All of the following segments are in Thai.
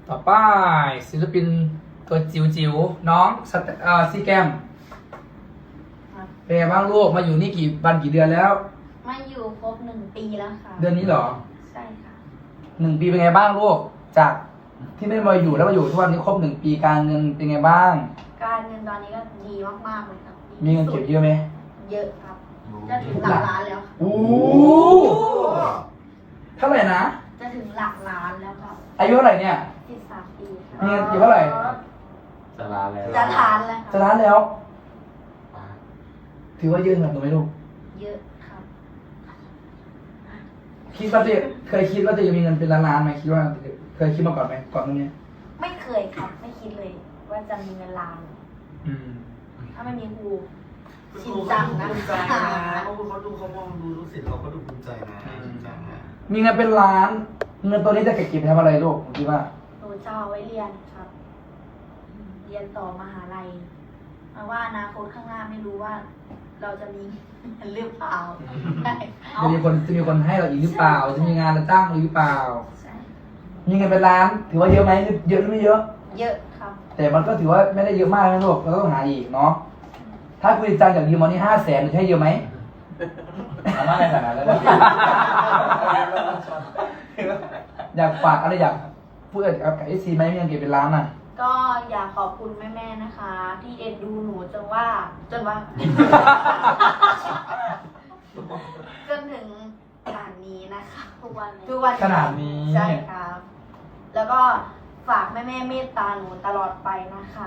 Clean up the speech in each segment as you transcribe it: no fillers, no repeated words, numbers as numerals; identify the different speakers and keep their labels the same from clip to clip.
Speaker 1: ต่อไปศิลปินตัวจิ๋วๆน้องซีแกมเป็นไงบ้างลูกมาอยู่นี่กี่วันกี่เดือนแล้ว
Speaker 2: มาอยู่ครบ1 ปีแล้วค่ะ
Speaker 1: เดือนนี้เหรอ
Speaker 2: ใช่ค่ะ
Speaker 1: 1 ปีเป็นไงบ้างลูกจากที่ไม่มาอยู่แล้วมาอยู่ทุกวันนี้ครบ1 ปีการเงินเป็นไงบ้าง
Speaker 2: การเงินตอนนี้ก็ดีมากๆเลยครับ
Speaker 1: มีเงินเก็บเยอะไหม
Speaker 2: เยอะครับจะถึงหลักล้านแล้ว
Speaker 1: โอ้เท่าไหร่นะ
Speaker 2: จะถึงหลักล้านแล้วครับ
Speaker 1: อายุเท่าไหร่เนี่ย
Speaker 2: 13 ปีครับ
Speaker 1: มีเงินเก็บเท่าไหร่
Speaker 3: จะล้านแล้ว
Speaker 2: จะทานแล้ว
Speaker 1: จะล้านแล้วถือว่าเยอะขนาดไหนลูก
Speaker 2: เยอะครับ
Speaker 1: คิดว่าจะเคยคิดว่าจะมีเงินเป็นล้านๆไหมคิดว่าเคยคิดมาก่อนไหมก่อนตรงนี้
Speaker 2: ไม่เคยครับไม่คิดเลยว่าจะมีเงินล้านถ้าไม่มีครูชินจังนะ
Speaker 3: ภูมิใจนะเขาดูเขามองดูรู้สึกเขาก็ดูภูมิใจนะ
Speaker 1: มีเงินเป็นล้านเงินตัวนี้จะเก็บไปทำอะไรลูกคิดว่า
Speaker 2: หนูจะเอาไว้เรียนครับเรียนต่อมหาลัยเพราะว่าอนาคตข้างหน้าไม่รู้ว่าเราจะมีหรือเปล่า
Speaker 1: จะมีคนให้เราอีกหรือเปล่าจะมีงานเราจ้างหรือเปล่ามีเงินเป็นล้านถือว่าเยอะไหมเยอะหรือไม่เยอะ
Speaker 2: เยอะครับ
Speaker 1: แต่มันก็ถือว่าไม่ได้เยอะมากนะลูกเราต้องหาอีกเนาะถ้าคุณจ้างจากยืมมานี่500,000ใช่เยอะไหม
Speaker 3: ทำอะไรขนาดนั้น
Speaker 1: อยากฝากอะไรอยากพูดกับไอซีไหมมีเงินเก็บเป็นล้านอ่ะ
Speaker 2: ก็อยากขอบคุณแม่ๆนะคะ ที่เอ็นดูหนูจนว่า จนถึงขนาดนี้นะคะทุกวัน
Speaker 1: ขนาดนี้
Speaker 2: ใช่ครับแล้วก็ฝากแม่ๆเมตตาหนูตลอดไปนะคะ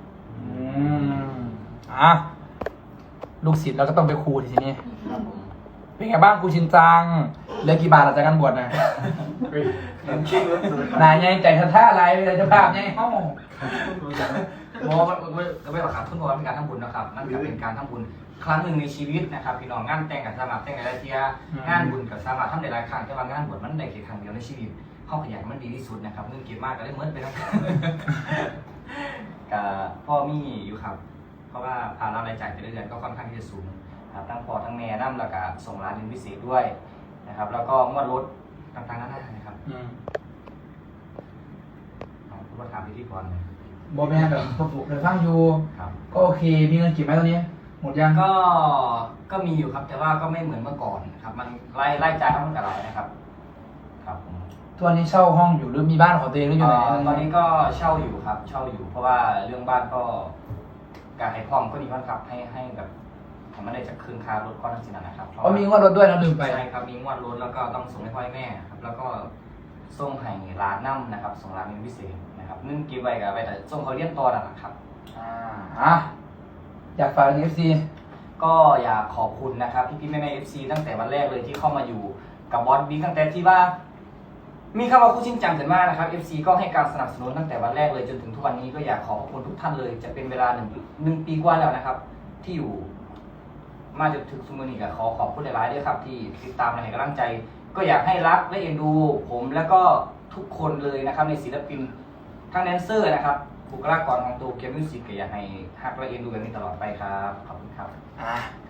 Speaker 1: ลูกศิษย์เราก็ต้องไปครูทีนี้เป็นไงบ้างครูชินจังเหลือกี่บาทหลังจากการบวชนะนายไงใจท่าอะไรเป็นเจ้าภาพไงเอ้า
Speaker 3: โมมันไม่หรอกครับทุกคนเป็นการทำบุญนะครับนั่นก็เป็นการทำบุญครั้งหนึ่งในชีวิตนะครับพี่น้องงานแต่งกับสมัครแต่งในรายเทียงานบุญกับสมัครทำในรายครั้งแต่ว่างานบวชมันได้แค่ครั้งเดียวในชีวิตเข้าขยันมันดีที่สุดนะครับเงินเก็บมากก็ได้เมิดไปแล้วกับพ่อมี่อยู่ครับเพราะว่าภาระรายจ่ายแต่ละเดือนก็ค่อนข้างที่จะสูงครับทั้งพ่อทั้งแม่นั่แล้วก็ส่งร้านเรียนพิเศษด้วยนะครับแล้วก็งวดรถต่างๆนั่นนะครับคุณมาถามพิธีกร
Speaker 1: บอแม่แบบพวกเดินทางอยู่ก็โอเคมีเงินเก็บไหมตอนนี้หมดยัง
Speaker 3: ก็มีอยู่ครับแต่ว่าก็ไม่เหมือนเมื่อก่อนครับมันไล่จ่ายมันกับไรนะครับครับ
Speaker 1: ทุกวันนี้เช่าห้องอยู่หรือมีบ้านของตัวเองหรืออยู่ไหน
Speaker 3: ตอนนี้ก็เช่าอยู่ครับเช่าอยู่เพราะว่าเรื่องบ้านก็การให้พร้อมก็ดีมากครับให้แบบมันได้จากคืนค่ารถก้อนทั้งสิ้นนะครับ
Speaker 1: เพราะมีงวดรถด้วยนะลืมไป
Speaker 3: ใช่ครับมีงวดรถแล้วก็ต้องส่งให้พ่อแม่ครับแล้วก็ส่งให้ร้านนั่มนะครับส่งร้านเป็นพิเศษนะครับนึ่งกินไว้กับไปแต่ส่งเขาเลี้ยงตัวนะครับ
Speaker 1: อยากฝากเอฟซี
Speaker 3: ก็อยากขอบคุณนะครับพี่แม่เอฟซีตั้งแต่วันแรกเลยที่เข้ามาอยู่กับบอสบิ๊กตั้งแต่ที่ว่ามีคำว่าคู่ชินจังเห็นมากนะครับ FC ก็ให้การสนับสนุนตั้งแต่วันแรกเลยจนถึงทุกวันนี้ก็อยากขอบคุณทุกท่านเลยจะเป็นเวลาหนึ่งปีกว่าแล้วนะครับที่อยู่มาจนถึงสมุนีกับขอบคุณหลายๆด้วยครับที่ติดตามและให้กำลังใจก็อยากให้รักและเอ็นดูผมแล้วก็ทุกคนเลยนะครับในศิลปินทั้งแดนเซอร์นะครับบุคลากรของตัวเกมมิวสิกก็อยากให้ฮักและเอ็นดูกันนี้ตลอดไปครับขอบคุณครับ